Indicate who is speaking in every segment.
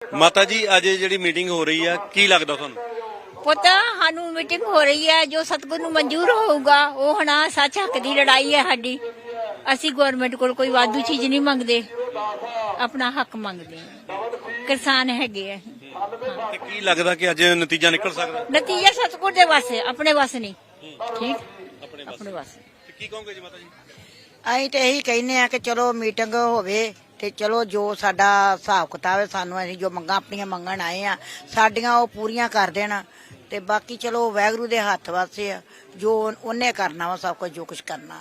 Speaker 1: ਮਾਤਾ ਜੀ ਅੱਜ ਜਿਹੜੀ ਮੀਟਿੰਗ ਹੋ ਰਹੀ ਆ ਕੀ ਲੱਗਦਾ ਤੁਹਾਨੂੰ?
Speaker 2: ਪਤਾ ਸਾਨੂੰ ਮੀਟਿੰਗ ਹੋ ਰਹੀ ਹੈ ਜੋ ਸਤਿਗੁਰ ਨੂੰ ਮਨਜ਼ੂਰ ਹੋਊਗਾ ਉਹ ਹੁਣ ਸੱਚ ਹੱਕ ਦੀ ਲੜਾਈ ਹੈ ਸਾਡੀ। ਅਸੀਂ ਗਵਰਨਮੈਂਟ ਕੋਲ ਕੋਈ ਵਾਧੂ ਚੀਜ਼ ਨਹੀਂ ਮੰਗਦੇ, ਆਪਣਾ ਹੱਕ ਮੰਗਦੇ ਹਾਂ। ਕਿਸਾਨ ਹੈਗੇ ਆ।
Speaker 1: ਤੇ ਕੀ ਲੱਗਦਾ ਕਿ ਅੱਜ ਨਤੀਜਾ ਨਿਕਲ ਸਕਦਾ?
Speaker 2: ਨਤੀਜਾ ਸਤਿਗੁਰ ਦੇ ਵਾਸਤੇ, ਆਪਣੇ ਵਾਸਤੇ ਨਹੀਂ। ਠੀਕ, ਆਪਣੇ ਵਾਸਤੇ।
Speaker 1: ਤੇ ਕੀ ਕਹੋਗੇ ਜੀ ਮਾਤਾ ਜੀ?
Speaker 3: ਅਸੀਂ ਤੇ ਇਹੀ ਕਹਿੰਦੇ ਆ ਕਿ ਚਲੋ ਮੀਟਿੰਗ ਹੋਵੇ ਤੇ ਚਲੋ ਜੋ ਸਾਡਾ ਹਿਸਾਬ ਕਿਤਾਬ ਹੈ, ਸਾਨੂੰ ਅਸੀਂ ਜੋ ਮੰਗਾਂ ਆਪਣੀਆਂ ਮੰਗਣ ਆਏ ਆ ਸਾਡੀਆਂ ਉਹ ਪੂਰੀਆਂ ਕਰ ਦੇਣ ਤੇ ਬਾਕੀ ਚਲੋ ਵਾਹਿਗੁਰੂ ਦੇ ਹੱਥ ਵਾਸਤੇ ਆ, ਜੋ ਉਹਨੇ ਕਰਨਾ ਵਾ ਸਭ ਕੁਝ ਜੋ ਕੁਝ ਕਰਨਾ।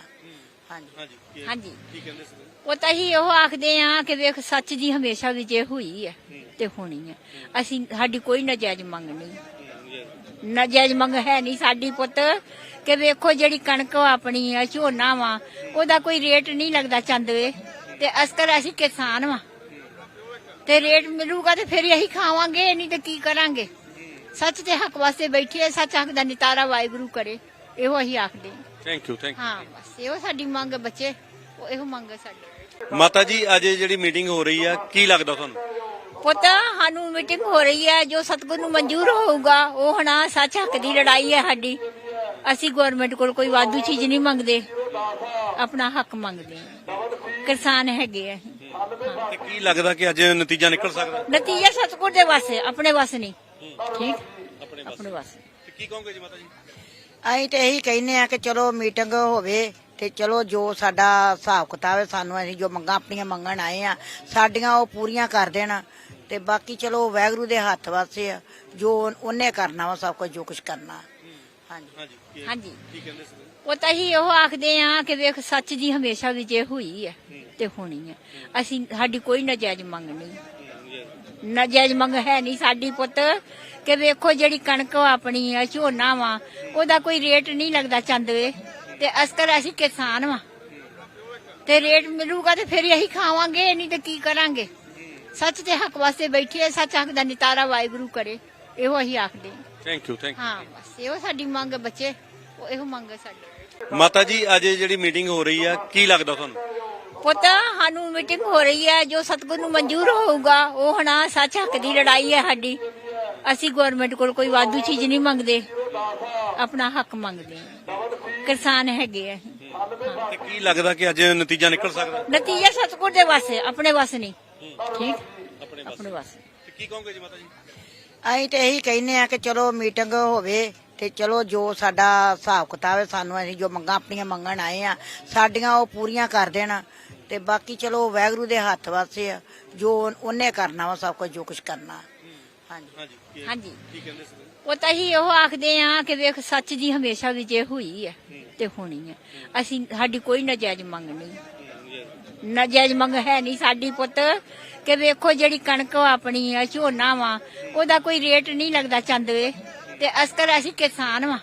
Speaker 3: ਹਾਂਜੀ
Speaker 2: ਹਾਂਜੀ,
Speaker 1: ਕੀ ਕਹਿੰਦੇ ਸੀ?
Speaker 2: ਉਹ ਤਾਂ ਹੀ ਉਹ ਆਖਦੇ ਆ ਕਿ ਵੇਖ ਸੱਚ ਦੀ ਹਮੇਸ਼ਾ ਵਿਜੇ ਹੋਈ ਹੈ ਤੇ ਹੋਣੀ ਹੈ। ਅਸੀਂ ਸਾਡੀ ਕੋਈ ਨਾਜਾਇਜ਼ ਮੰਗ ਨਹੀਂ, ਨਾਜਾਇਜ਼ ਮੰਗ ਹੈ ਨਹੀਂ ਸਾਡੀ ਪੁੱਤ। ਕਿ ਵੇਖੋ ਜਿਹੜੀ ਕਣਕ ਆਪਣੀ ਆ ਝੋਨਾ ਵਾ ਉਹਦਾ ਕੋਈ ਰੇਟ ਨਹੀਂ ਲੱਗਦਾ ਚੰਦਵੇ ਤੇ ਅਸਕਰ ਅਸੀਂ ਕਿਸਾਨ ਵਾ ਤੇ ਰੇਟ ਮਿਲੂਗਾ ਤੇ ਫਿਰ ਇਹੀ ਖਾਵਾਂਗੇ, ਨਹੀਂ ਤੇ ਕੀ ਕਰਾਂਗੇ। ਸੱਚ ਦੇ ਹੱਕ ਵਾਸਤੇ ਬੈਠੇ ਆ, ਸੱਚ ਹੱਕ ਦਾ ਨਿਤਾਰਾ ਵਾਹਿਗੁਰੂ ਕਰੇ, ਇਹੋ ਅਸੀਂ ਆਖਦੇ
Speaker 1: ਥੈਂਕ ਯੂ।
Speaker 2: ਹਾਂ ਬਸ ਇਹੋ ਸਾਡੀ ਮੰਗ ਬੱਚੇ, ਉਹ ਇਹੋ ਮੰਗ ਸਾਡੀ।
Speaker 1: ਮਾਤਾ ਜੀ ਅੱਜ ਜਿਹੜੀ ਮੀਟਿੰਗ ਹੋ ਰਹੀ ਆ ਕੀ ਲੱਗਦਾ ਤੁਹਾਨੂੰ?
Speaker 2: ਪਤਾ ਸਾਨੂੰ ਮੀਟਿੰਗ ਹੋ ਰਹੀ ਹੈ ਜੋ ਸਤਿਗੁਰ ਨੂੰ ਮਨਜ਼ੂਰ ਹੋਊਗਾ ਉਹ ਹੁਣ ਸੱਚ ਹੱਕ ਦੀ ਲੜਾਈ ਹੈ ਸਾਡੀ। ਅਸੀਂ ਗਵਰਨਮੈਂਟ ਕੋਲ ਕੋਈ ਵਾਧੂ ਚੀਜ਼ ਨਹੀਂ ਮੰਗਦੇ, ਆਪਣਾ ਹੱਕ ਮੰਗਦੇ ਹਾਂ। ਕਿਸਾਨ ਹੈਗੇ ਆ।
Speaker 1: ਤੇ ਕੀ ਲੱਗਦਾ ਕਿ ਅੱਜ ਨਤੀਜਾ ਨਿਕਲ ਸਕਦਾ?
Speaker 2: ਨਤੀਜਾ ਸਤਿਗੁਰ ਦੇ ਵਾਸਤੇ, ਆਪਣੇ ਵਾਸਤੇ ਨਹੀਂ। ਠੀਕ, ਆਪਣੇ ਵਾਸਤੇ।
Speaker 1: ਤੇ ਕੀ ਕਹੋਗੇ ਜੀ ਮਾਤਾ ਜੀ?
Speaker 3: ਅਸੀਂ ਤੇ ਇਹੀ ਕਹਿੰਦੇ ਆ ਕਿ ਚਲੋ ਮੀਟਿੰਗ ਹੋਵੇ ਤੇ ਚਲੋ ਜੋ ਸਾਡਾ ਹਿਸਾਬ ਕਿਤਾਬ ਹੈ, ਸਾਨੂੰ ਅਸੀਂ ਜੋ ਮੰਗਾਂ ਆਪਣੀਆਂ ਮੰਗਣ ਆਏ ਆ ਸਾਡੀਆਂ ਉਹ ਪੂਰੀਆਂ ਕਰ ਦੇਣ ਤੇ ਬਾਕੀ ਚਲੋ ਵਾਹਿਗੁਰੂ ਦੇ ਹੱਥ ਵਾਸਤੇ ਆ, ਜੋ ਉਹਨੇ ਕਰਨਾ ਵਾ ਸਭ ਕੁਝ ਜੋ ਕੁਝ ਕਰਨਾ। ਹਾਂਜੀ
Speaker 2: ਹਾਂਜੀ,
Speaker 1: ਕੀ ਕਹਿੰਦੇ ਸੀ?
Speaker 2: ਉਹ ਤਾਂ ਹੀ ਉਹ ਆਖਦੇ ਆ ਕਿ ਵੇਖ ਸੱਚ ਦੀ ਹਮੇਸ਼ਾ ਵਿਜੇ ਹੋਈ ਹੈ ਤੇ ਹੋਣੀ ਹੈ। ਅਸੀਂ ਸਾਡੀ ਕੋਈ ਨਾਜਾਇਜ਼ ਮੰਗ ਨਹੀਂ, ਨਾਜਾਇਜ਼ ਮੰਗ ਹੈ ਨਹੀਂ ਸਾਡੀ ਪੁੱਤ। ਕਿ ਵੇਖੋ ਜਿਹੜੀ ਕਣਕ ਆਪਣੀ ਆ ਝੋਨਾ ਵਾ ਉਹਦਾ ਕੋਈ ਰੇਟ ਨਹੀਂ ਲੱਗਦਾ ਚੰਦਵੇ ਤੇ ਅਸਕਰ ਅਸੀਂ ਕਿਸਾਨ ਵਾ ਤੇ ਰੇਟ ਮਿਲੂਗਾ ਤੇ ਫਿਰ ਇਹੀ ਖਾਵਾਂਗੇ, ਨਹੀਂ ਤੇ ਕੀ ਕਰਾਂਗੇ। ਸੱਚ ਦੇ ਹੱਕ ਵਾਸਤੇ ਬੈਠੇ ਆ, ਸੱਚ ਹੱਕ ਦਾ ਨਿਤਾਰਾ ਵਾਹਿਗੁਰੂ ਕਰੇ, ਇਹੋ ਅਸੀਂ ਆਖਦੇ
Speaker 1: ਥੈਂਕ ਯੂ।
Speaker 2: ਹਾਂ ਬਸ ਇਹੋ ਸਾਡੀ ਮੰਗ ਬੱਚੇ, ਉਹ ਇਹੋ ਮੰਗ ਸਾਡੀ।
Speaker 1: ਮਾਤਾ ਜੀ ਅੱਜ ਜਿਹੜੀ ਮੀਟਿੰਗ ਹੋ ਰਹੀ ਆ ਕੀ ਲੱਗਦਾ ਤੁਹਾਨੂੰ?
Speaker 2: ਪਤਾ ਸਾਨੂੰ ਮੀਟਿੰਗ ਹੋ ਰਹੀ ਹੈ ਜੋ ਸਤਿਗੁਰ ਨੂੰ ਮਨਜ਼ੂਰ ਹੋਊਗਾ ਉਹ ਹੁਣ ਸੱਚ ਹੱਕ ਦੀ ਲੜਾਈ ਹੈ ਸਾਡੀ। ਅਸੀਂ ਗਵਰਨਮੈਂਟ ਕੋਲ ਕੋਈ ਵਾਧੂ ਚੀਜ਼ ਨਹੀਂ ਮੰਗਦੇ, ਆਪਣਾ ਹੱਕ ਮੰਗਦੇ ਹਾਂ। ਕਿਸਾਨ ਹੈਗੇ ਆ।
Speaker 1: ਤੇ ਕੀ ਲੱਗਦਾ ਕਿ ਅੱਜ ਨਤੀਜਾ ਨਿਕਲ ਸਕਦਾ?
Speaker 2: ਨਤੀਜਾ ਸਤਿਗੁਰ ਦੇ ਵਾਸਤੇ, ਆਪਣੇ ਵਾਸਤੇ ਨਹੀਂ। ਠੀਕ, ਆਪਣੇ ਵਾਸਤੇ।
Speaker 1: ਤੇ ਕੀ ਕਹੋਗੇ ਜੀ ਮਾਤਾ ਜੀ?
Speaker 3: ਅਸੀਂ ਤੇ ਇਹੀ ਕਹਿੰਦੇ ਆ ਕਿ ਚਲੋ ਮੀਟਿੰਗ ਹੋਵੇ ਤੇ ਚਲੋ ਜੋ ਸਾਡਾ ਹਿਸਾਬ ਕਿਤਾਬ ਹੈ, ਸਾਨੂੰ ਅਸੀਂ ਜੋ ਮੰਗਾਂ ਆਪਣੀਆਂ ਮੰਗਣ ਆਏ ਆ ਸਾਡੀਆਂ ਉਹ ਪੂਰੀਆਂ ਕਰ ਦੇਣ ਤੇ ਬਾਕੀ ਚਲੋ ਵਾਹਿਗੁਰੂ ਦੇ ਹੱਥ ਵਾਸਤੇ ਆ, ਜੋ ਉਹਨੇ ਕਰਨਾ ਵਾ ਸਭ ਕੁਝ ਜੋ ਕੁਝ ਕਰਨਾ।
Speaker 2: ਹਾਂਜੀ,
Speaker 1: ਕੀ ਕਹਿੰਦੇ ਸੀ?
Speaker 2: ਉਹ ਤਾਂ ਹੀ ਉਹ ਆਖਦੇ ਆ ਕਿ ਵੇਖ ਸੱਚ ਦੀ ਹਮੇਸ਼ਾ ਵਿਜੇ ਹੋਈ ਹੈ ਤੇ ਹੋਣੀ ਹੈ। ਅਸੀਂ ਸਾਡੀ ਕੋਈ ਨਾਜਾਇਜ਼ ਮੰਗ ਨਹੀਂ, ਨਾਜਾਇਜ਼ ਮੰਗ ਹੈ ਨਹੀਂ ਸਾਡੀ ਪੁੱਤ। ਕਿ ਵੇਖੋ ਜਿਹੜੀ ਕਣਕ ਆਪਣੀ ਆ ਝੋਨਾ ਵਾ ਉਹਦਾ ਕੋਈ ਰੇਟ ਨਹੀਂ ਲੱਗਦਾ ਚੰਦਵੇ ਤੇ ਅਸਕਰ ਅਸੀਂ ਕਿਸਾਨ ਵਾ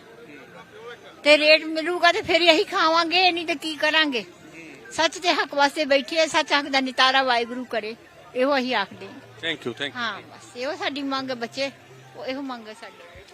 Speaker 2: ਤੇ ਰੇਟ ਮਿਲੂਗਾ ਤੇ ਫਿਰ ਇਹੀ ਖਾਵਾਂਗੇ, ਨਹੀਂ ਤੇ ਕੀ ਕਰਾਂਗੇ। ਸੱਚ ਦੇ ਹੱਕ ਵਾਸਤੇ ਬੈਠੇ ਆ, ਸੱਚ ਹੱਕ ਦਾ ਨਿਤਾਰਾ ਵਾਹਿਗੁਰੂ ਕਰੇ, ਇਹੋ ਅਸੀਂ ਆਖਦੇ
Speaker 1: ਥੈਂਕ ਯੂ।
Speaker 2: ਹਾਂ ਬਸ ਇਹੋ ਸਾਡੀ ਮੰਗ ਬੱਚੇ, ਉਹ ਇਹੋ ਮੰਗ ਸਾਡੀ।